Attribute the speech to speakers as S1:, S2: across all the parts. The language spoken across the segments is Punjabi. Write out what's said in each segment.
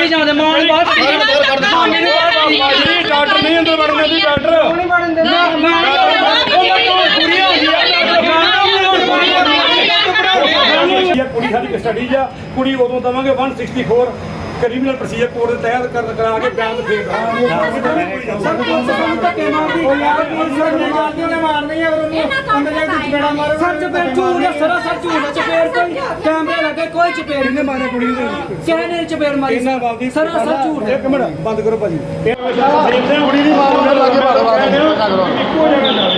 S1: ਕੱਢੀ ਜਾਂਦੇ ਮਾਂ ਨੂੰ ਬਾਹਰ ਕੱਢੀ
S2: ਡਾਕਟਰ ਨਹੀਂ ਅੰਦਰ ਵੜਨ ਦਿੰਦੇ ਡਾਕਟਰ
S1: ਨਹੀਂ ਵੜਨ ਦਿੰਦੇ
S2: ਕੁੜੀ ਸਾਡੀ ਕਸਟਡੀ ਆ ਕੁੜੀ ਉਦੋਂ ਦਵਾਂਗੇ 164 ਕ੍ਰਿਮੀਨਲ ਪ੍ਰੋਸੀਜਰ ਕੋਡ ਦੇ ਤਹਿਤ ਕਰਾ ਕੇ ਬਿਆਨ ਫੇਰ ਕਰਾਂਗੇ
S1: ਧੱਕੇ ਮਾਰਦੀ ਮਾਰਨੀ ਹੈ ਅੰਦਰ ਜਾ ਕੇ ਚਪੇੜਾ ਮਾਰੋ ਸਰ ਚਪੇੜ ਝੂਠ ਸਰਾ ਸਰ ਝੂਠ ਚਪੇੜ ਕੋਈ ਕੈਮਰੇ ਲੱਗੇ ਕੋਈ ਚਪੇੜ ਨਹੀਂ ਮਾਰਿਆ ਕੁੜੀ ਨੂੰ ਕਿਸੇ ਨੇ ਚਪੇੜ ਮਾਰੀ ਸਰਾ ਸਰ ਝੂਠ
S2: ਇੱਕ ਮਿੰਟ ਬੰਦ ਕਰੋ ਭਾਜੀ
S3: ਕੁੜੀ ਦੀ ਮਾਰ ਨੂੰ ਲਾ ਕੇ ਮਾਰੋ
S2: ਇੱਕੋ ਜਗ੍ਹਾ ਜਾ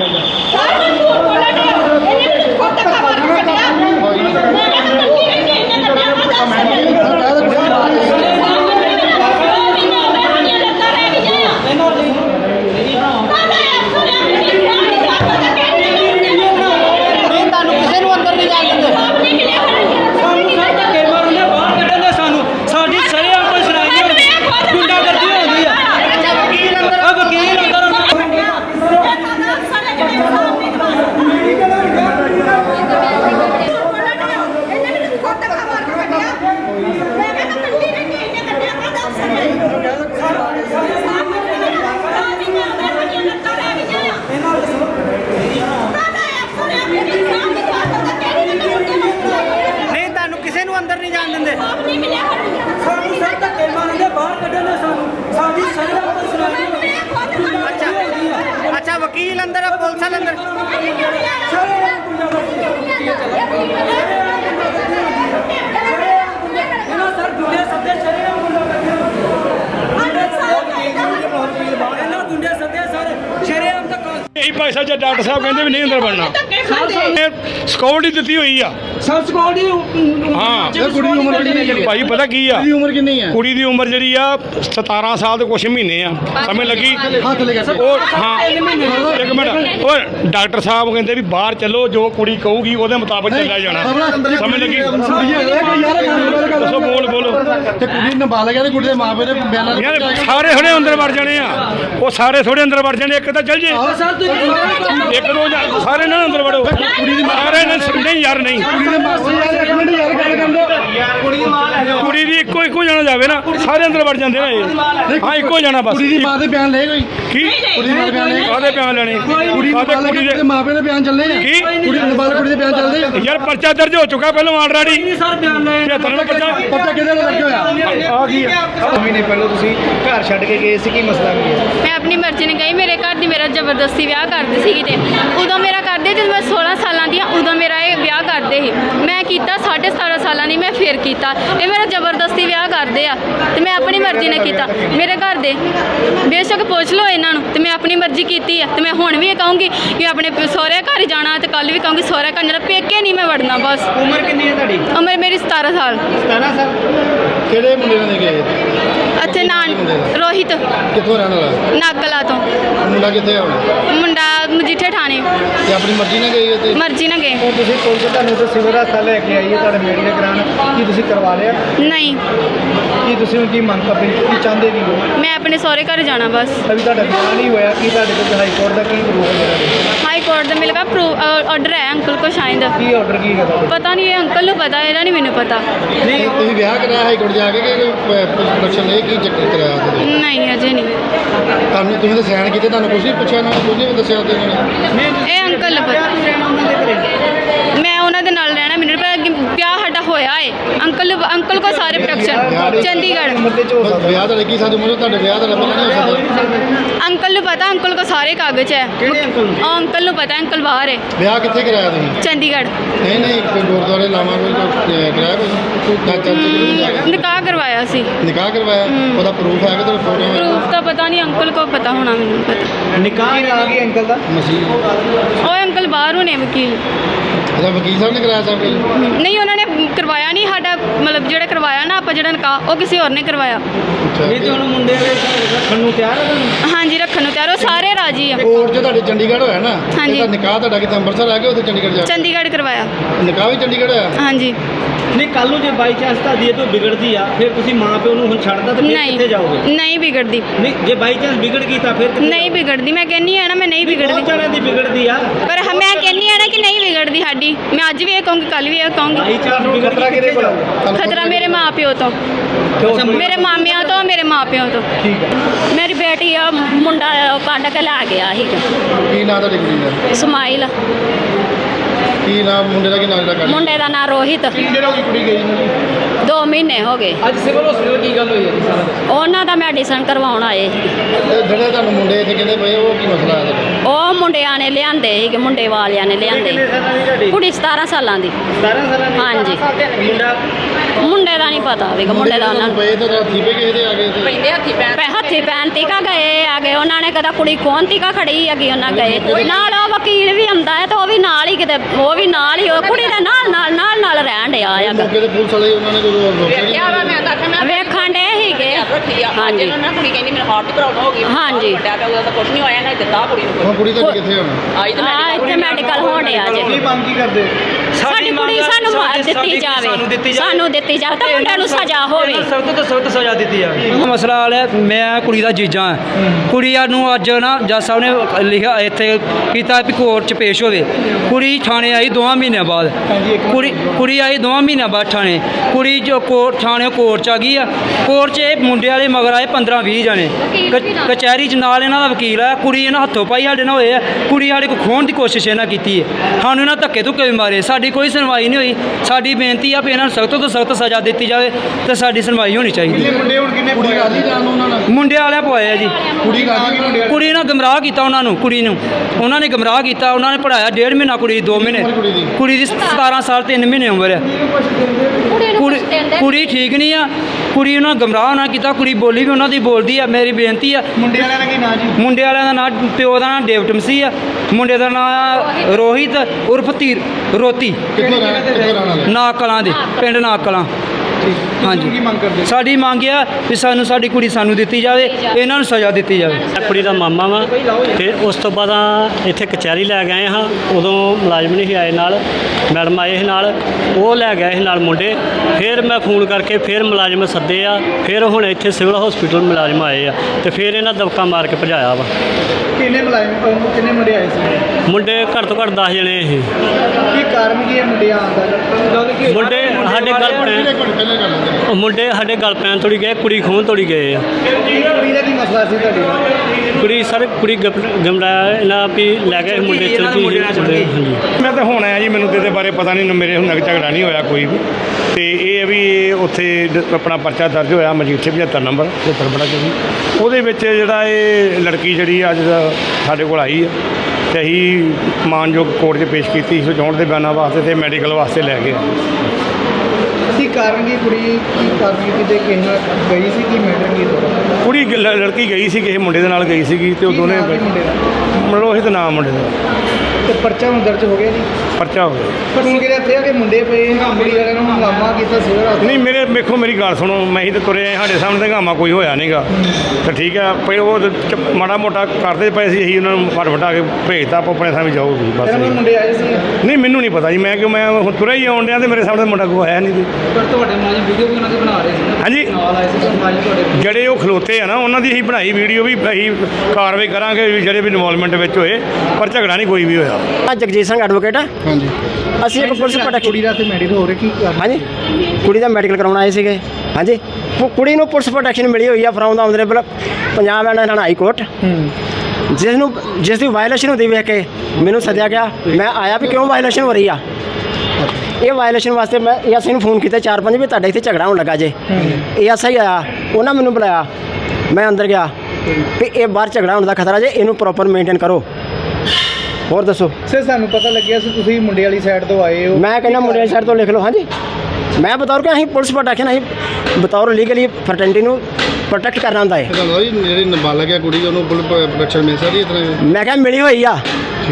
S1: ਅੰਦਰ ਨਹੀਂ ਜਾਣ ਦਿੰਦੇ ਸਾਨੂੰ ਸਰ ਧੱਕੇ ਮਾਰਦੇ ਬਾਹਰ ਕੱਢਣੇ ਸਾਨੂੰ ਸਾਡੀ ਸਜ਼ਾ ਕੋਈ ਸੁਣਾਈ ਅੱਛਾ ਵਕੀਲ ਅੰਦਰ ਪੁਲਿਸ ਵਾਲੇ ਅੰਦਰ ਇਹਨਾਂ ਸਰ ਗੁੰਡੇ ਸੱਦੇ ਸ਼ਰੇਆਮ ਇਹਨਾਂ ਗੁੰਡੇ ਸੱਦੇ ਸਾਰੇ ਸ਼ਰੇਆਮ ਤੱਕ
S2: ਇਹੀ ਭਾਈ ਸਾਹਿਬ ਜੇ ਡਾਕਟਰ ਸਾਹਿਬ ਕਹਿੰਦੇ ਵੀ ਨਹੀਂ ਅੰਦਰ ਵੜਨਾ ਸਿਕਿਉਰਿਟੀ ਦਿੱਤੀ ਹੋਈ ਆ
S1: ਸਰ ਸਿਕਿਉਰਿਟੀ
S2: ਹਾਂ
S3: ਕੁੜੀ ਦੀ ਉਮਰ ਕਿੰਨੀ ਹੈ
S2: ਭਾਈ ਪਤਾ ਕੀ ਆ
S3: ਕੁੜੀ ਦੀ ਉਮਰ ਕਿੰਨੀ ਹੈ
S2: ਕੁੜੀ ਦੀ ਉਮਰ ਜਿਹੜੀ ਆ 17 ਸਾਲ ਤੇ ਕੁਛ ਮਹੀਨੇ ਆ ਸਮਝ ਲੱਗੀ
S3: ਹੱਥ ਲੈ ਕੇ
S2: ਉਹ ਹਾਂ ਇੱਕ ਮਿੰਟ ਉਹ ਡਾਕਟਰ ਸਾਹਿਬ ਕਹਿੰਦੇ ਵੀ ਬਾਹਰ ਚੱਲੋ ਜੋ ਕੁੜੀ ਕਹੂਗੀ ਉਹਦੇ ਮੁਤਾਬਕ ਚੱਲਿਆ ਜਾਣਾ ਸਮਝ ਲੱਗੀ ਦੱਸੋ ਬੋਲੋ
S3: ਤੇ ਕੁੜੀ ਨਾਬਾਲਗ ਹੈ ਤੇ ਕੁੜੀ ਦੇ ਮਾਪੇ ਦੇ ਬਿਆਨਾਂ
S2: ਯਾਰ ਸਾਰੇ ਥੋੜੇ ਅੰਦਰ ਵੜ ਜਾਣੇ ਆ ਉਹ ਸਾਰੇ ਥੋੜੇ ਅੰਦਰ ਵੜ ਜਾਣੇ ਇੱਕ ਤਾਂ ਚੱਲ ਜੇ ਇੱਕ ਦੋ ਸਾਰੇ ਨਾ ਅੰਦਰ ਵੜੋ ਕੁੜੀ ਦੀ ਸਾਰੇ ਨਹੀਂ ਯਾਰ ਨਹੀਂ
S3: ਕੁੜੀ ਦੇ ਮਾਪੇ ਯਾਰ ਇੱਕ ਮਿੰਟ ਯਾਰ ਗੱਲ ਕਰਨ ਦਿਓ
S2: ਕੁੜੀ ਦੀ ਇੱਕੋ ਜਾਣਾ ਜਾਵੇ ਨਾ ਸਾਰੇ ਅੰਦਰ ਵੜ ਜਾਂਦੇ ਨਾ ਇਹ ਹਾਂ ਇੱਕੋ ਜਾਣਾ ਬਸ
S3: ਕੁੜੀ ਦੀ ਮਾਂ ਦੇ ਬਿਆਨ ਲੈ ਕੋਈ
S2: ਕੀ
S3: ਕੁੜੀ ਦੇ ਮਾਂ ਦੇ ਬਿਆਨ ਲੈ
S2: ਕਾਹਦੇ ਬਿਆਨ ਲੈਣੇ
S3: ਕੁੜੀ ਦੇ ਮਾਪੇ ਦੇ ਬਿਆਨ ਚੱਲਦੇ ਆ
S2: ਕੀ
S3: ਕੁੜੀ ਨਾਬਾਲਗ ਕੁੜੀ ਦੇ ਬਿਆਨ ਚੱਲਦੇ ਆ
S2: ਯਾਰ ਪਰਚਾ ਦਰਜ ਹੋ ਚੁੱਕਾ ਪਹਿਲਾਂ ਆਲਰੇਡੀ
S1: ਸਰ ਬਿਆਨ ਲੈ
S2: 75 ਦਾ ਪਰਚਾ
S3: ਪਤਾ ਕਿਹਦੇ ਨਾਲ ਲੱਗਿਆ ਹੋਇਆ
S2: ਆ ਗਈ
S4: ਮਹੀਨੇ ਪਹਿਲਾਂ ਤੁਸੀਂ ਘਰ ਛੱਡ ਕੇ ਗਏ ਸੀ ਕੀ ਮਸਲਾ ਕੀ ਹੈ
S5: ਮੈਂ ਆਪਣੀ ਮਰਜ਼ੀ ਨਾਲ ਗਈ ਮੇਰੇ ਘਰ ਦੀ ਮੇਰਾ ਜ਼ਬਰਦਸਤੀ ਵਿਆਹ ਕਰਦੇ ਸੀਗੇ ਤੇ ਉਦੋਂ ਮੇਰਾ ਕਰਦੇ ਜਦੋਂ ਮੈਂ 16 ਸਾਲਾਂ ਦੀ ਉਦੋਂ ਮੇਰਾ ਇਹ ਵਿਆਹ ਕਰਦੇ ਸੀ ਮੈਂ ਕੀਤਾ 17.5 ਸਾਲਾਂ ਦੀ ਮੈਂ ਫੇਰ ਕੀਤਾ ਇਹ ਮੇਰਾ ਜ਼ਬਰਦਸਤੀ ਵਿਆਹ ਕਰਦੇ ਆ ਤੇ ਮੈਂ ਆਪਣੀ ਮਰਜ਼ੀ ਨਾਲ ਕੀਤਾ ਮੇਰੇ ਘਰ ਦੇ ਬੇਸ਼ੱਕ ਪੁੱਛ ਲਓ ਇਹਨਾਂ ਨੂੰ ਤੇ ਮੈਂ ਆਪਣੀ ਮਰਜ਼ੀ ਕੀਤੀ ਆ ਤੇ ਮੈਂ ਹੁਣ ਵੀ ਇਹ ਕਹੂੰਗੀ ਕਿ ਆਪਣੇ ਸਹੁਰੇ ਘਰ ਹੀ ਜਾਣਾ ਤੇ ਕੱਲ ਵੀ ਕਹੂੰਗੀ ਸਹੁਰੇ ਘਰ ਜਾਣਾ ਪੇਕੇ ਨਹੀਂ ਮੈਂ ਵੜਨਾ ਬਸ
S4: ਉਮਰ ਕਿੰਨੀ ਹੈ ਤੁਹਾਡੀ
S5: ਉਮਰ ਮੇਰੀ 17 ਸਾਲ
S4: 17 ਸਾਲ
S3: ਕਿਹੜੇ ਮੁੰਡੇ ਨਾਲ ਗਏ
S5: ਅੱਛੇ ਨਾਨ ਰੋਹਿਤ
S3: ਕਿੱਥੋਂ ਰਹਿਣ ਵਾਲਾ
S5: ਨਾਗਲਾ ਤੋਂ
S3: ਮੁੰਡਾ ਕਿੱਥੇ ਆ ਹੁਣ
S5: ਮੁੰਡਾ ਮਜੀਠੇ ਠਾਣੇ
S3: ਤੇ ਆਪਣੀ ਮਰਜ਼ੀ ਨਾਲ ਗਈ ਤੇ
S5: ਮਰਜ਼ੀ ਨਾਲ ਗਏ
S4: ਹੁਣ ਤੁਸੀਂ ਪੁਲਿਸ ਤੁਹਾਨੂੰ ਤੇ ਸਿਵਲ ਹਸਪਤਾਲ ਲੈ ਕੇ ਆਈ ਹੈ ਤੁਹਾਡੇ ਮੈਡੀਕਲ ਕਰਾਉਣ ਕੀ ਤੁਸੀਂ ਕਰਵਾ ਲਿਆ
S5: ਨਹੀਂ
S4: ਕੀ ਤੁਸੀਂ ਹੁਣ ਕੀ ਮੰਗ ਕਰਦੇ ਕੀ ਚਾਹੁੰਦੇ ਕੀ ਹੋ
S5: ਮੈਂ ਆਪਣੇ ਸਹੁਰੇ ਘਰ ਜਾਣਾ ਬਸ
S4: ਅਭੀ ਤੁਹਾਡਾ ਵਿਆਹ ਨਹੀਂ ਹੋਇਆ ਕੀ ਤੁਹਾਡੇ ਕੋਲ ਹਾਈ ਕੋਰਟ ਦਾ ਕੀ ਪ੍ਰੂਫ ਹੈ
S5: ਹਾਈ ਕੋਰਟ ਦਾ ਮੇਰੇ ਕੋਲ ਆਰਡਰ ਹੈ ਅੰਕਲ ਕੋ ਸ਼ਾਇਦ
S4: ਕੀ ਆਰਡਰ ਕੀ ਹੈ ਤੁਹਾਡਾ
S5: ਪਤਾ ਨਹੀਂ ਇਹ ਅੰਕਲ ਨੂੰ ਪਤਾ ਇਹਦਾ ਨਹੀਂ ਮੈਨੂੰ ਪਤਾ
S3: ਨਹੀਂ ਤੁਸੀਂ ਵਿਆਹ ਕਰਾਇਆ ਹਾਈ ਕੋਰਟ ਜਾ ਕੇ ਕਿ ਕੋਈ ਪ੍ਰੋਡਕਸ਼ਨ ਇਹ ਕੀ ਚੱਕਰ ਕਰਾਇਆ ਤੁਸੀਂ
S5: ਨਹੀਂ ਅਜੇ ਨਹੀਂ
S3: ਤੁਹਾਨੂੰ ਤੁਸੀਂ ਤਾਂ ਸਾਈਨ ਕੀਤੇ ਤੁਹਾਨੂੰ ਕੁਝ ਨਹੀਂ ਪੁੱਛਿਆ ਨਾ ਕੁਝ ਨਹੀਂ ਦੱਸਿਆ ਤੇ ਇਹਨਾਂ ਨੇ
S5: ਇਹ ਅੰਕਲ ਨੂੰ ਪਤਾ ਮੈਂ ਉਹਨਾਂ ਦੇ ਨਾਲ ਰਹਿਣਾ ਮੈਨੂੰ ਪਤਾ ਕਿ ਵਿਆਹ ਸਾਡਾ ਹੋਇਆ ਏ ਅੰਕਲ ਕੋ ਸਾਰੇ ਪ੍ਰੋਡਕਸ਼ਨ ਚੰਡੀਗੜ੍ਹ
S3: ਵਿਆਹ ਦਾ ਲੱਗੀ ਸਾਡੇ ਮੂਹਰੇ ਤੁਹਾਡੇ ਵਿਆਹ ਦਾ ਪਤਾ ਨਹੀਂ ਹੋ ਸਕਦਾ
S5: ਅੰਕਲ ਨੂੰ ਪਤਾ ਅੰਕਲ ਕੋ ਸਾਰੇ ਕਾਗਜ਼ ਹੈ ਅੰਕਲ ਨੂੰ ਪਤਾ ਅੰਕਲ ਬਾਹਰ ਹੈ
S3: ਵਿਆਹ ਕਿੱਥੇ ਕਰਾਇਆ ਤੁਸੀਂ
S5: ਚੰਡੀਗੜ੍ਹ
S3: ਨਹੀਂ ਕੋਈ ਗੁਰਦੁਆਰੇ ਲਾਵਾਂ ਕੋਈ ਕਰਾਇਆ ਕੋਈ
S5: ਨਿਕਾਹ ਕਰਵਾਇਆ ਸੀ
S3: ਨਿਕਾਹ ਕਰਵਾਇਆ ਉਹਦਾ ਪ੍ਰੂਫ ਹੈ ਕਿ ਤੁਹਾਡੇ ਫੋਟੋ
S5: ਪ੍ਰੂਫ ਤਾਂ ਪਤਾ ਨਹੀਂ ਅੰਕਲ ਕੋ ਪਤਾ ਹੋਣਾ ਮੈਨੂੰ ਪਤਾ
S4: ਨਿਕਾਹ ਆ ਗਈ ਅੰਕਲ ਦਾ
S3: ਮਸੀਹ
S5: ਉਹ ਅੰਕਲ ਬਾਹਰੋਂ ਨੇ ਵਕੀਲ
S3: ਇਹਦਾ ਵਕੀਲ ਸਾਹਿਬ ਨੇ ਕਰਾਇਆ ਸਭ ਕੁਝ
S5: ਨਹੀਂ ਉਹਨਾਂ ਨੇ ਕਰਵਾਇਆ ਨਹੀਂ ਸਾਡਾ ਮਤਲਬ ਜਿਹੜਾ ਕਰਵਾਇਆ ਨਾ ਆਪਾਂ ਜਿਹੜਾ ਨਿਕਾਹ ਉਹ ਕਿਸੇ ਹੋਰ ਨੇ ਕਰਵਾਇਆ
S4: ਨਹੀਂ ਤੇ ਹੁਣ ਮੁੰਡੇ ਦੇ ਰੱਖਣ ਨੂੰ ਤਿਆਰ ਹੈ ਤੁਹਾਨੂੰ
S5: ਹਾਂਜੀ ਰੱਖਣ ਨੂੰ ਤਿਆਰ ਉਹ ਸਾਰੇ ਰਾਜੀ ਆ
S3: ਕੋਰਟ 'ਚ ਤੁਹਾਡੇ ਚੰਡੀਗੜ੍ਹ ਹੋਇਆ ਨਾ
S5: ਹਾਂਜੀ।
S3: ਇਹਦਾ ਨਿਕਾਹ ਤੁਹਾਡਾ ਕਿਤੇ ਅੰਮ੍ਰਿਤਸਰ ਆ ਗਿਆ ਉੱਥੇ ਚੰਡੀਗੜ੍ਹ ਜਾ
S5: ਚੰਡੀਗੜ੍ਹ ਕਰਵਾਇਆ
S3: ਨਿਕਾਹ ਵੀ ਚੰਡੀਗੜ੍ਹ ਹੋਇਆ
S5: ਹਾਂਜੀ
S4: ਨਹੀਂ ਕੱਲ ਨੂੰ ਜੇ ਬਾਈ ਚਾਂਸ ਤੁਹਾਡੀ ਇਹ ਤੋਂ ਵਿਗੜਦੀ ਆ ਫਿਰ ਤੁਸੀਂ ਮਾਂ ਪਿਓ ਨੂੰ ਹੁਣ ਛੱਡਦਾ ਤੇ ਫਿਰ ਕਿੱਥੇ ਜਾਓਗੇ
S5: ਨਹੀਂ ਵਿਗੜਦੀ
S4: ਨਹੀਂ ਜੇ ਬਾਈ ਚਾਂਸ ਵਿਗੜ ਗਈ ਤਾਂ ਫਿਰ ਕਿੱਥੇ
S5: ਨਹੀਂ ਵਿਗੜਦੀ ਮੈਂ ਕਹਿੰਨੀ ਆ ਨਾ ਮੈਂ ਨਹੀਂ
S4: ਬਹੁਤ
S5: ਵਿਗੜਦੀ
S4: ਜਣਿਆਂ ਦੀ ਵਿਗੜਦੀ ਆ
S5: ਪਰ ਮੈਂ ਕਹਿੰਨੀ ਆ ਨਾ ਕਿ ਨਹੀਂ ਵਿਗੜਦੀ ਸਾਡੀ ਮੈਂ ਅੱਜ ਵੀ ਇਹ ਕਹੂੰਗੀ ਕੱਲ ਵੀ ਇਹ ਕਹੂੰਗੀ
S4: ਬਾਈ ਚਾਂਸ ਵਿਗੜ ਕੇ ਕਿੱਥੇ ਜਾਓਗੇ
S5: ਖਤਰਾ ਮੇਰੇ ਮਾਂ ਪਿਓ ਤੋਂ, ਮੇਰੇ ਮਾਮਿਆਂ ਤੋਂ, ਮੇਰੇ ਮਾਪਿਆਂ ਤੋਂ। ਮੇਰੀ ਬੇਟੀ ਆ ਮੁੰਡਾ ਕੱਢ ਕੇ ਲੈ ਗਿਆ ਸੀ।
S3: ਕੀ ਨਾਂ ਤੁਹਾਡੀ ਕੁੜੀ ਦਾ?
S5: ਸਮਾਈਲ।
S3: ਕੀ ਨਾਮ ਮੁੰਡੇ ਦਾ? ਕੀ ਨਾਂ ਜਿਹੜਾ
S5: ਮੁੰਡੇ ਦਾ ਨਾਂ ਰੋਹਿਤ।
S3: ਕਿਹੜੇ ਹੋ ਗਈ ਕੁੜੀ ਗਈ ਇਹਨਾਂ ਦੀ?
S5: 2 ਮਹੀਨੇ ਹੋ ਗਏ।
S4: ਅੱਜ ਸਿਵਲ ਹਸਪੀਟਲ ਕੀ ਗੱਲ ਹੋਈ ਹੈ ਜੀ ਸਾਰਾ?
S5: ਉਹਨਾਂ ਦਾ ਮੈਡੀਸਨ ਕਰਵਾਉਣ ਆਏ ਸੀ।
S3: ਤੇ ਜਿਹੜੇ ਤੁਹਾਨੂੰ ਮੁੰਡੇ ਇੱਥੇ ਕਹਿੰਦੇ ਪਏ ਉਹ ਕੀ ਮਸਲਾ ਹੈ ਤੁਹਾਡਾ?
S5: ਉਹ ਮੁੰਡਿਆਂ ਨੇ ਲਿਆਂਦੇ ਸੀ, ਮੁੰਡੇ ਵਾਲਿਆਂ ਨੇ
S4: ਕਿੰਨੇ
S5: ਲਿਆਂਦੇ।
S4: ਸਾਲਾਂ ਦੀ ਤੁਹਾਡੀ?
S5: ਕੁੜੀ 17 ਸਾਲਾਂ ਦੀ।
S4: 17 ਸਾਲਾਂ ਦੀ?
S5: ਹਾਂਜੀ।
S4: ਮੁੰਡਾ?
S5: ਮੁੰਡੇ ਦਾ ਨਹੀਂ ਪਤਾ ਵੀ ਮੁੰਡੇ ਦਾ ਉਹਨਾਂ ਨੂੰ
S3: ਪਏ ਤੇ ਰਾਤੀ ਪਏ ਕਿਸੇ ਦੇ ਆ ਗਏ ਤੇ
S5: ਹੱਥੀ ਪੈਣ ਤੀਕਾ ਗਏ ਆਗੇ ਉਹਨਾਂ ਨੇ। ਕਦਾ ਕੁੜੀ ਕੌਣ ਤੀਕਾ ਖੜੀ ਹੈਗੀ, ਉਹਨਾਂ ਗਏ ਨਾਲ। ਉਹ ਵਕੀਲ ਵੀ ਆਉਂਦਾ ਹੈ ਤੇ ਉਹ ਵੀ ਨਾਲ ਹੀ ਕਿਤੇ, ਉਹ ਵੀ ਨਾਲ ਹੀ, ਉਹ ਕੁੜੀ ਦੇ ਨਾਲ ਰਹਿਣ ਡਿਆ ਆ।
S3: ਮੌਕੇ ਤੇ ਪੁਲਿਸ ਵਾਲੇ ਉਹਨਾਂ ਨੇ ਜਦੋਂ ਰੋਕਿਆ
S5: ਵੇਖਣ ਡੇ ਹੀਗੇ। ਹਾਂਜੀ
S6: ਕੁੜੀ ਕਹਿੰਦੀ ਮੈਨੂੰ ਹਾਰਟ ਦੀ ਪ੍ਰੋਬਲਮ ਹੋ ਗਈ।
S5: ਹਾਂਜੀ।
S6: ਵੱਡਾ ਪਿਆ ਉਹਦਾ ਤਾਂ ਕੁਝ ਨਹੀਂ ਹੋਇਆ ਨਾ, ਦਿੱਤਾ ਕੁੜੀ ਨੂੰ।
S3: ਹੁਣ ਕੁੜੀ ਤੁਹਾਡੀ ਕਿੱਥੇ ਹੋਣਾ?
S6: ਆਈ ਤਾਂ
S5: ਆ ਇੱਥੇ ਮੈਡੀਕਲ ਹੋਣ ਡਿਆ ਜੇ।
S4: ਕੀ ਮੰਗ ਕੀ ਕਰਦੇ?
S5: ਸਾਡੀ ਕੁੜੀ ਸਾਨੂੰ ਦਿੱਤੀ ਜਾਵੇ, ਸਾਨੂੰ ਦਿੱਤੀ ਜਾਵੇ ਤਾਂ ਮੁੰਡੇ ਨੂੰ ਸਜ਼ਾ ਹੋਵੇ।
S4: ਸਖਤ ਤੋਂ ਸਖਤ ਸਜ਼ਾ ਦਿੱਤੀ ਜਾਵੇ।
S1: ਮਸਲਾ ਹਾਲ ਹੈ, ਮੈਂ ਕੁੜੀ ਦਾ ਜੀਜਾ ਹਾਂ। ਕੁੜੀ ਨੂੰ ਅੱਜ ਨਾ ਜੱਜ ਸਾਹਿਬ ਨੇ ਲਿਖਿਆ ਇੱਥੇ ਕੀਤਾ ਵੀ ਕੋਰਟ 'ਚ ਪੇਸ਼ ਹੋਵੇ। ਕੁੜੀ ਥਾਣੇ ਆਈ 2 ਮਹੀਨਿਆਂ ਬਾਅਦ। ਕੁੜੀ ਆਈ 2 ਮਹੀਨਿਆਂ ਬਾਅਦ ਥਾਣੇ। ਕੁੜੀ ਜੋ ਥਾਣੇ ਕੋਰਟ 'ਚ ਆ ਗਈ ਆ। ਕੋਰਟ 'ਚ ਇਹ ਮੁੰਡੇ ਵਾਲੇ ਮਗਰ ਆਏ 15-20 ਜਣੇ। ਕਚਹਿਰੀ 'ਚ ਨਾਲ ਇਹਨਾਂ ਦਾ ਵਕੀਲ ਆ। ਕੁੜੀ ਇਹਨਾਂ ਹੱਥੋਂ ਪਾਈ ਸਾਡੇ ਨਾਲ ਹੋਏ ਆ। ਕੁੜੀ ਵਾਲੇ ਕੋ ਖੋਹਣ ਦੀ ਕੋਸ਼ਿਸ਼ ਇਹਨਾਂ ਕੀਤੀ ਹੈ। ਸਾਨੂੰ ਇਹਨਾਂ ਧੱਕੇ ਧੁੱਕੇ ਵੀ ਮਾਰੇ। ਸਾਡੀ ਕੋਈ ਸੁਣਵਾਈ ਨਹੀਂ ਹੋਈ। ਸਾਡੀ ਬੇਨਤੀ ਆ ਵੀ ਇਹਨਾਂ ਨੂੰ ਸਖਤ ਤੋਂ ਸਖਤ ਸਜ਼ਾ ਦਿੱਤੀ ਜਾਵੇ ਤੇ ਸਾਡੀ ਸੁਣਵਾਈ ਹੋਣੀ ਚਾਹੀਦੀ ਹੈ।
S3: ਮੁੰਡੇ ਹੁਣ ਕਿੰਨੇ ਕੁੜੀ ਕਰ ਲਈ ਜਾਣ ਉਹਨਾਂ ਨਾਲ?
S1: ਮੁੰਡੇ ਵਾਲਿਆਂ ਪਵਾਏ ਆ ਜੀ।
S3: ਕੁੜੀ ਕਰ ਲਈ ਮੁੰਡੇ
S1: ਕੁੜੀ ਨੇ ਗਮਰਾਹ ਕੀਤਾ ਉਹਨਾਂ ਨੂੰ। ਕੁੜੀ ਨੂੰ ਉਹਨਾਂ ਨੇ ਗਮਰਾਹ ਕੀਤਾ। ਉਹਨਾਂ ਨੇ ਪੜਾਇਆ 1.5 ਮਹੀਨਾ, ਕੁੜੀ 2 ਮਹੀਨੇ। ਕੁੜੀ ਦੀ 17 ਸਾਲ 3 ਮਹੀਨੇ ਉਮਰ ਹੈ। ਕੁੜੀ ਠੀਕ ਨਹੀਂ ਆ। ਕੁੜੀ ਉਹਨਾਂ ਗਮਰਾਹ ਨਾ ਕੀਤਾ। ਕੁੜੀ ਬੋਲੀ ਵੀ ਉਹਨਾਂ ਦੀ ਬੋਲਦੀ ਆ। ਮੇਰੀ ਬੇਨਤੀ ਆ,
S4: ਮੁੰਡੇ ਵਾਲਿਆਂ ਦਾ ਕੀ ਨਾਂ ਜੀ?
S1: ਮੁੰਡੇ ਵਾਲਿਆਂ ਦਾ ਨਾਂ, ਪਿਓ ਦਾ ਨਾਂ ਡੇਵਿਡ ਮਸੀਹ ਆ। ਮੁੰਡੇ ਦਾ ਨਾਂ ਰੋਹਿਤ ਉਰਫ ਰੋਤੀ।
S3: ਕਿੱਥੋਂ ਰਹਿਣ ਵਾਲੇ?
S1: ਨਾਗ ਕਲਾਂ ਦੇ, ਪਿੰਡ ਨਾਗ ਕਲਾਂ। ਹਾਂਜੀ।
S4: ਕੀ ਮੰਗ ਕਰਦੇ?
S1: ਸਾਡੀ ਮੰਗ ਆ ਵੀ ਸਾਨੂੰ ਸਾਡੀ ਕੁੜੀ ਸਾਨੂੰ ਦਿੱਤੀ ਜਾਵੇ, ਇਹਨਾਂ ਨੂੰ ਸਜ਼ਾ ਦਿੱਤੀ ਜਾਵੇ।
S7: ਕੁੜੀ ਦਾ ਮਾਮਾ ਵਾ ਤੇ ਉਸ ਤੋਂ ਬਾਅਦ ਇੱਥੇ ਕਚਹਿਰੀ ਲੈ ਗਏ ਹਾਂ। ਉਦੋਂ ਮੁਲਾਜ਼ਮ ਨਹੀਂ ਸੀ ਆਏ ਨਾਲ, ਮੈਡਮ ਆਏ ਸੀ ਨਾਲ, ਉਹ ਲੈ ਗਏ ਸੀ ਨਾਲ ਮੁੰਡੇ। ਫਿਰ ਮੈਂ ਫੋਨ ਕਰਕੇ ਫਿਰ ਮੁਲਾਜ਼ਮ ਸੱਦੇ ਆ। ਫਿਰ ਹੁਣ ਇੱਥੇ ਸਿਵਲ ਹਸਪੀਟਲ ਮੁਲਾਜ਼ਮ ਆਏ ਆ ਤੇ ਫਿਰ ਇਹਨਾਂ ਦਬਕਾ ਮਾਰ ਕੇ ਭਜਾਇਆ ਵਾ।
S4: ਕਿੰਨੇ ਮੁਲਾਜ਼ਮ, ਕਿੰਨੇ ਮੁੰਡੇ ਆਏ ਸੀ?
S7: ਮੁੰਡੇ ਘੱਟ ਤੋਂ ਘੱਟ 10 ਜਣੇ ਸੀ।
S4: ਕੀ ਕਾਰਨ ਕੀ ਹੈ ਮੁੰਡੇ ਆਉਣ ਦਾ?
S7: ਮੁੰਡੇ ਸਾਡੇ ਗਲ ਪੈਣ, ਮੁੰਡੇ ਸਾਡੇ ਗਲ ਪੈਣ ਤੋੜੀ ਗਏ, ਕੁੜੀ ਖੋਹਣ ਤੋੜੀ ਗਏ ਆ।
S4: ਕੁੜੀ ਦਾ ਕੀ ਮਸਲਾ ਸੀ ਤੁਹਾਡੀ?
S7: ਕੁੜੀ ਸਰ ਕੁੜੀ ਗਮਰਾਇਆ ਇਹਨਾਂ ਵੀ ਲੈ ਗਏ ਮੁੰਡੇ ਚਲ ਗਏ। ਹਾਂਜੀ।
S2: ਮੈਂ ਤਾਂ ਹੁਣ ਆਇਆ ਜੀ, ਮੈਨੂੰ ਤੇ ਇਹਦੇ ਬਾਰੇ ਪਤਾ ਨਹੀਂ। ਮੇਰੇ ਹੁਣ ਤੱਕ ਝਗੜਾ ਨਹੀਂ ਹੋਇਆ ਕੋਈ ਵੀ। ਤੇ ਇਹ ਹੈ ਵੀ ਉੱਥੇ ਆਪਣਾ ਪਰਚਾ ਦਰਜ ਹੋਇਆ ਮਜੀਠੇ 75 ਨੰਬਰ 75 ਬੜਾ ਜੀ। ਉਹਦੇ ਵਿੱਚ ਜਿਹੜਾ ਇਹ ਲੜਕੀ ਜਿਹੜੀ ਅੱਜ ਸਾਡੇ ਕੋਲ ਆਈ ਹੈ ਤੇ ਅਸੀਂ ਮਾਨਯੋਗ ਕੋਰਟ 'ਚ ਪੇਸ਼ ਕੀਤੀ ਸੀ ਚੋਣ ਦੇ ਬਿਆਨਾਂ ਵਾਸਤੇ ਤੇ ਮੈਡੀਕਲ ਵਾਸਤੇ ਲੈ ਗਏ।
S4: ਕੀ ਕਾਰਨ ਕੀ ਕੁੜੀ ਕੀ ਕਾਰਨ ਕਿਤੇ ਕਿਸੇ ਨਾਲ ਗਈ ਸੀ? ਕੀ ਮੈਟਰ ਕੀ ਤੁਹਾਡਾ?
S2: ਕੁੜੀ ਲੜਕੀ ਗਈ ਸੀ ਕਿਸੇ ਮੁੰਡੇ ਦੇ ਨਾਲ ਗਈ ਸੀਗੀ ਤੇ ਉਹ ਦੋਨੇ
S4: ਮੁੰਡੇ ਦਾ
S2: ਰੋਹਿਤ ਨਾਮ ਮੁੰਡੇ ਦਾ।
S4: ਤੇ ਪਰਚਾ ਹੁਣ ਦਰਜ ਹੋ ਗਿਆ ਜੀ?
S2: ਪਰਚਾ ਹੋ ਗਿਆ।
S4: ਪਰ ਹੁਣ ਕਿਹੜੇ ਇੱਥੇ ਆ ਕਿ ਮੁੰਡੇ ਪਏ ਕੁੜੀ ਵਾਲਿਆਂ ਨੂੰ ਹੰਗਾਮਾ ਕੀਤਾ ਸਿਵਲ ਹਸਪਤਾਲ?
S2: ਨਹੀਂ ਮੇਰੇ ਵੇਖੋ ਮੇਰੀ ਗੱਲ ਸੁਣੋ, ਮੈਂ ਹੀ ਤਾਂ ਤੁਰੇ ਆਏ, ਸਾਡੇ ਸਾਹਮਣੇ ਹੰਗਾਮਾ ਕੋਈ ਹੋਇਆ ਨਹੀਂਗਾ। ਤਾਂ ਠੀਕ ਆ, ਪਰ ਉਹ ਮਾੜਾ ਮੋਟਾ ਕਰਦੇ ਪਏ ਸੀ, ਅਸੀਂ ਉਹਨਾਂ ਨੂੰ ਫੜ ਫਟਾ ਕੇ ਭੇਜਤਾ, ਆਪੋ ਆਪਣੇ ਥਾਂ ਵੀ ਜਾਓ ਜੀ ਬਸ।
S4: ਇਹਨਾਂ ਮੁੰਡੇ ਆਏ ਸੀ?
S2: ਨਹੀਂ ਮੈਨੂੰ ਨਹੀਂ ਪਤਾ ਜੀ, ਮੈਂ ਹੁਣ ਤੁਰੇ ਹੀ ਆਉਣ ਡਿਆ ਤੇ ਮੇਰੇ ਸਾਹਮਣੇ ਮੁੰਡਾ ਕੋਈ ਆਇਆ ਨਹੀਂ ਜੀ।
S4: ਪਰ ਤੁਹਾਡੇ ਨਾਲ ਵੀਡੀਓ ਵੀ ਉਹਨਾਂ ਦੇ ਬਣਾ ਰਹੇ ਸੀ?
S2: ਹਾਂਜੀ,
S4: ਨਾਲ ਆਏ ਸੀ ਸਮਾਜ ਤੁਹਾਡੇ?
S2: ਜਿਹੜੇ ਉਹ ਖਲੋਤੇ ਆ ਨਾ ਉਹਨਾਂ ਦੀ ਅਸੀਂ ਬਣਾਈ ਵੀਡੀਓ ਵੀ ਅਸੀਂ ਕਾਰਵਾਈ ਕਰਾਂਗੇ ਵੀ ਜਿਹੜੇ ਵੀ ਇਨਵੋਲਵਮੈਂਟ ਵਿੱਚ ਹੋਏ, ਪਰ ਝਗੜਾ ਨਹੀਂ ਕੋਈ ਵੀ ਹੋਇਆ।
S8: ਜਗਜੀਤ ਸਿੰਘ ਐਡਵੋਕੇਟ।
S3: ਹਾਂਜੀ।
S8: ਅਸੀਂ ਇੱਕ ਪੁਲਿਸ ਪ੍ਰੋਟੈਕਸ਼ਨ,
S4: ਕੁੜੀ ਦਾ ਤੇ ਮੈਡੀਕਲ ਹੋ ਰਿਹਾ ਕੀ ਕਾਰਨ?
S8: ਹਾਂਜੀ, ਕੁੜੀ ਦਾ ਮੈਡੀਕਲ ਕਰਾਉਣ ਆਏ ਸੀਗੇ। ਹਾਂਜੀ, ਕੁੜੀ ਨੂੰ ਪੁਲਿਸ ਪ੍ਰੋਟੈਕਸ਼ਨ ਮਿਲੀ ਹੋਈ ਆ from the honourable Punjab and Haryana high court. ਜਿਸ ਦੀ ਵਾਇਲੇਸ਼ਨ ਹੁੰਦੀ ਵੇਖ ਕੇ ਮੈਨੂੰ ਸੱਦਿਆ ਗਿਆ। ਮੈਂ ਆਇਆ ਵੀ ਕਿਉਂ ਵਾਇਲੇਸ਼ਨ ਹੋ ਰਹੀ ਆ। ਇਹ ਵਾਇਲੇਸ਼ਨ ਵਾਸਤੇ ਮੈਂ ਏਐਸਆਈ ਨੂੰ ਫੋਨ ਕੀਤਾ 4-5 ਵੀ ਤੁਹਾਡੇ ਇੱਥੇ ਝਗੜਾ ਹੋਣ ਲੱਗਾ ਜੇ। ਏਐਸਆਈ ਆਇਆ, ਉਹਨਾਂ ਮੈਨੂੰ ਬੁਲਾਇਆ, ਮੈਂ ਅੰਦਰ ਗਿਆ ਵੀ ਇਹ ਬਾਹਰ ਝਗੜਾ ਹੋਣ ਦਾ ਖਤਰਾ ਜੇ, ਇਹਨੂੰ ਪ੍ਰੋਪਰ ਮੇਨਟੇਨ ਕਰੋ। ਹੋਰ ਦੱਸੋ
S4: ਸਰ, ਸਾਨੂੰ ਪਤਾ ਲੱਗਿਆ ਸੀ ਤੁਸੀਂ ਮੁੰਡੇ ਵਾਲੀ ਸਾਈਡ ਤੋਂ ਆਏ ਹੋ।
S8: ਮੈਂ ਕਹਿੰਦਾ ਮੁੰਡੇ ਸਾਈਡ ਤੋਂ ਲਿਖ ਲਓ। ਹਾਂਜੀ, ਮੈਂ ਬਤੌਰ ਕਿ ਅਸੀਂ ਪੁਲਿਸ ਪ੍ਰੋਟੈਕਸ਼ਨ, ਅਸੀਂ ਬਤੌਰ ਲੀਗਲੀ ਫਰਟੈਂਟੀ ਨੂੰ ਪ੍ਰੋਟੈਕਟ ਕਰਨਾ ਹੁੰਦਾ ਹੈ।
S3: ਗੱਲ ਹੋਈ ਜਿਹੜੀ ਨਾਬਾਲਗ ਹੈ ਕੁੜੀ, ਉਹਨੂੰ ਪੁਲਿਸ ਪ੍ਰੋਟੈਕਸ਼ਨ ਮਿਲ ਸਕਦੀ ਇਸ ਤਰ੍ਹਾਂ?
S8: ਮੈਂ ਕਿਹਾ ਮਿਲੀ ਹੋਈ ਆ।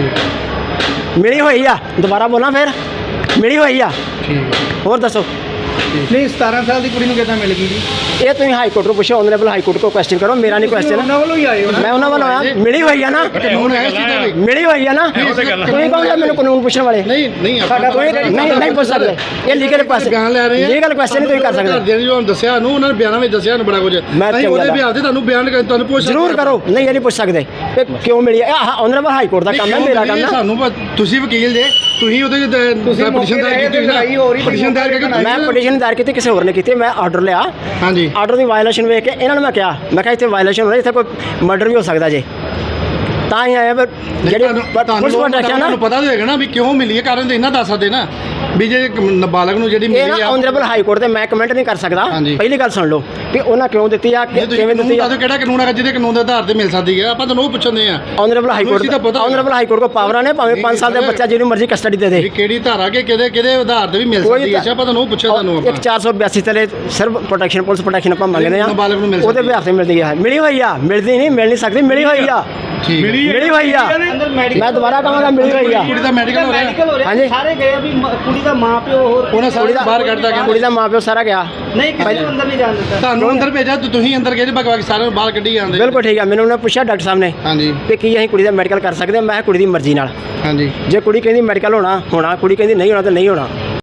S8: ਮਿਲੀ ਹੋਈ ਆ, ਦੁਬਾਰਾ ਬੋਲਾਂ ਫਿਰ? ਮਿਲੀ ਹੋਈ ਆ। ਹੋਰ ਦੱਸੋ।
S4: ਨਹੀਂ, 17 ਸਾਲ ਦੀ ਕੁੜੀ ਨੂੰ ਕਿੱਦਾਂ ਮਿਲ ਗਈ ਜੀ?
S8: ਇਹ ਤੁਸੀਂ ਹਾਈ ਕੋਰਟ ਨੂੰ ਪੁੱਛੋ, ਆਨਰੇਬਲ ਹਾਈ ਕੋਰਟ ਕੋ ਕੁਐਸਚਨ ਕਰੋ, ਮੇਰਾ ਨਹੀਂ ਕੁਐਸਚਨ।
S4: ਉਹਨਾਂ ਵੱਲੋਂ ਹੀ ਆਏ ਹੋ ਨਾ?
S8: ਮੈਂ ਉਹਨਾਂ ਵੱਲੋਂ ਆਇਆ। ਮਿਲੀ ਹੋਈ ਆ ਨਾ,
S3: ਕਾਨੂੰਨ ਹੈ ਇਸ ਚੀਜ਼ ਦਾ ਵੀ?
S8: ਮਿਲੀ ਹੋਈ ਆ ਨਾ। ਤੁਸੀਂ ਕਹੋਗੇ ਮੈਨੂੰ ਕਾਨੂੰਨ ਪੁੱਛਣ ਵਾਲੇ?
S3: ਨਹੀਂ ਨਹੀਂ,
S8: ਨਹੀਂ ਪੁੱਛ ਸਕਦੇ। ਇਹ ਲੀਗਲ ਕੁਐਸਚਨ,
S3: ਬਿਆਨ ਲੈ ਰਹੇ ਆ।
S8: ਲੀਗਲ ਕੁਐਸਚਨ ਨਹੀਂ ਤੁਸੀਂ ਕਰ ਸਕਦੇ।
S3: ਜਿਹੜੀ ਤੁਹਾਨੂੰ ਦੱਸਿਆ ਨੂੰ, ਉਹਨਾਂ ਨੇ ਬਿਆਨਾਂ ਵਿੱਚ ਦੱਸਿਆ ਨੂੰ ਬੜਾ ਕੁਝ। ਅਸੀਂ ਉਹਦੇ ਬਿਆਨ ਤੇ ਤੁਹਾਨੂੰ ਬਿਆਨ ਤੁਹਾਨੂੰ ਪੁੱਛ
S8: ਜ਼ਰੂਰ ਕਰੋ। ਨਹੀਂ, ਇਹ ਨਹੀਂ ਪੁੱਛ ਸਕਦੇ ਕਿ ਕਿਉਂ ਮਿਲੀ। ਇਹ ਆਨਰੇਬਲ ਹਾਈ ਕੋਰਟ ਦਾ ਕੰਮ ਹੈ, ਮੇਰਾ ਕੰਮ ਹੈ।
S3: ਸਾਨੂੰ ਤੁਸੀਂ ਵਕੀਲ ਜੇ, ਤੁਸੀਂ ਉਹਦੇ
S4: ਤੁਸੀਂ
S3: ਪਟੀਸ਼ਨ ਦਾਇਰ ਕੀਤੀ ਹੋਈ ਨਾ,
S4: ਲੜਾਈ ਹੋ ਰਹੀ,
S3: ਪਟੀਸ਼ਨ ਦਾਇਰ ਕਰਕੇ
S8: ਮੈਂ ਪਟੀਸ਼ਨ ਦਾਇਰ ਕੀਤੀ, ਕਿਸੇ ਹੋਰ ਨੇ ਕੀਤੀ। ਮੈਂ ਆਰਡਰ ਲਿਆ,
S3: ਹਾਂਜੀ
S8: ਆਰਡਰ ਦੀ ਵਾਇਲੇਸ਼ਨ ਵੇਖ ਕੇ ਇਹਨਾਂ ਨੂੰ ਮੈਂ ਕਿਹਾ, ਮੈਂ ਕਿਹਾ ਇੱਥੇ ਵਾਇਲੇਸ਼ਨ ਹੋ ਰਹੀ, ਇੱਥੇ ਕੋਈ ਮਰਡਰ ਵੀ ਹੋ ਸਕਦਾ ਜੇ, ਤਾਂ ਹੀ ਆਇਆ। ਪਰ ਜਿਹੜੀ ਪੁਲਿਸ ਪ੍ਰੋਟੈਕਸ਼ਨ
S3: ਤੁਹਾਨੂੰ ਪਤਾ ਤਾਂ ਹੋਏਗਾ ਨਾ ਵੀ ਕਿਉਂ ਮਿਲੀ ਹੈ, ਕਾਰਨ ਤਾਂ ਇਹਨਾਂ ਦੱਸ ਸਕਦੇ ਨਾ ਵੀ ਜੇ ਨਾਬਾਲਗ ਨੂੰ ਜਿਹੜੀ
S8: ਇਹ
S3: ਮਿਲੀ
S8: ਨਾ
S3: ਆ।
S8: ਆਨਰੇਬਲ ਹਾਈ ਕੋਰਟ ਤੇ ਮੈਂ ਕਮੈਂਟ ਨਹੀਂ ਕਰ ਸਕਦਾ।
S3: ਹਾਂਜੀ।
S8: ਪਹਿਲੀ ਗੱਲ ਸੁਣ ਲਓ ਕਿ ਉਹਨਾਂ ਕਿਉਂ ਦਿੱਤੀ ਆ, ਕਿਵੇਂ ਦਿੱਤੀ ਆ।
S3: ਕਿਹੜਾ ਕਾਨੂੰਨ ਹੈਗਾ ਜਿਹਦੇ ਕਾਨੂੰਨ ਦੇ ਆਧਾਰ ਤੇ ਮਿਲ ਸਕਦੀ ਹੈ, ਆਪਾਂ ਤੁਹਾਨੂੰ ਉਹ ਪੁੱਛਦੇ ਆ।
S8: Honourable high court, honourable high court ਕੋ ਪਾਵਰਾਂ ਨੇ, ਭਾਵੇਂ 5 ਸਾਲ ਦਾ ਬੱਚਾ ਜਿਹਨੂੰ ਮਰਜ਼ੀ ਕਸਟਡੀ ਦੇ ਦੇ।
S3: ਵੀ ਕਿਹੜੀ ਧਾਰਾ ਕੇ ਕਿਹਦੇ ਆਧਾਰ ਤੇ ਵੀ ਮਿਲ ਸਕਦੀ ਹੈ, ਆਪਾਂ ਤੁਹਾਨੂੰ ਉਹ ਪੁੱਛਿਆ ਤੁਹਾਨੂੰ ਆਪਾਂ।
S8: ਇੱਕ 482 ਤਲੇ ਸਿਰਫ ਪ੍ਰੋਟੈਕਸ਼ਨ, ਪੁਲਿਸ ਪ੍ਰੋਟੈਕਸ਼ਨ ਆਪਾਂ ਮੰਗਦੇ ਆ,
S3: ਨਾਬਾਲਗ ਨੂੰ ਮਿਲ
S8: ਉਹਦੇ
S3: ਸਕਦੀ
S8: ਬਿਹਾਰ ਤੇ ਮਿਲਦੀ ਆ, ਮਿਲੀ ਹੋਈ ਆ, ਮਿਲਦੀ ਨਹੀਂ, ਮਿਲ ਨਹੀਂ ਸਕਦੀ, ਮਿਲੀ ਹੋਈ ਆ,
S3: ਠੀਕ ਹੈ।
S8: ਮਿਲੀ ਹੋਈ ਆ।
S4: ਅੰਦਰ ਮੈਡੀਕਲ
S8: ਮੈਂ ਦੁਬਾਰਾ ਕਹਾਂਗਾ ਮਿਲੀ ਹੋਈ ਆ।
S3: ਕੁੜੀ ਦਾ ਮੈਡੀਕਲ ਹੋ ਰਿਹਾ,
S8: ਹਾਂਜੀ।
S4: ਸਾਰੇ ਗਏ ਵੀ ਕੁੜੀ ਦਾ ਮਾਂ ਪਿਓ ਹੋਰ
S3: ਉਹਨਾਂ ਸਾਰੇ ਬਾਹਰ ਕੱਢਦਾ
S8: ਕੁੜੀ
S3: ਕਹਿੰਦੇ
S8: ਦਾ ਮਾਂ ਪਿਓ ਸਾਰਾ ਗਿਆ।
S4: ਨਹੀਂ, ਕਿਸੇ ਨੂੰ ਅੰਦਰ ਨਹੀਂ ਜਾਣ ਦਿੱਤਾ।
S3: ਤੁਹਾਨੂੰ ਅੰਦਰ ਭੇਜਿਆ, ਤੁਸੀਂ ਅੰਦਰ ਗਏ, ਬਾਕੀ ਸਾਰਿਆਂ ਨੂੰ ਬਾਹਰ ਕੱਢੀ ਜਾਂਦੇ।
S8: ਬਿਲਕੁਲ ਠੀਕ ਆ। ਮੈਨੂੰ ਉਹਨੇ ਪੁੱਛਿਆ ਡਾਕਟਰ ਸਾਹਿਬ ਨੇ
S3: ਹਾਂਜੀ
S8: ਕਿ ਕੀ ਅਸੀਂ ਕੁੜੀ ਦਾ ਮੈਡੀਕਲ ਕਰ ਸਕਦੇ ਹਾਂ। ਮੈਂ ਕਿਹਾ ਕੁੜੀ ਦੀ ਮਰਜ਼ੀ ਨਾਲ,
S3: ਹਾਂਜੀ
S8: ਜੇ ਕੁੜੀ ਕਹਿੰਦੀ ਮੈਡੀਕਲ ਹੋਣਾ, ਕੁੜੀ ਕਹਿੰਦੀ ਨਹੀਂ ਹੋਣਾ ਤਾਂ ਨਹੀਂ ਹੋਣਾ।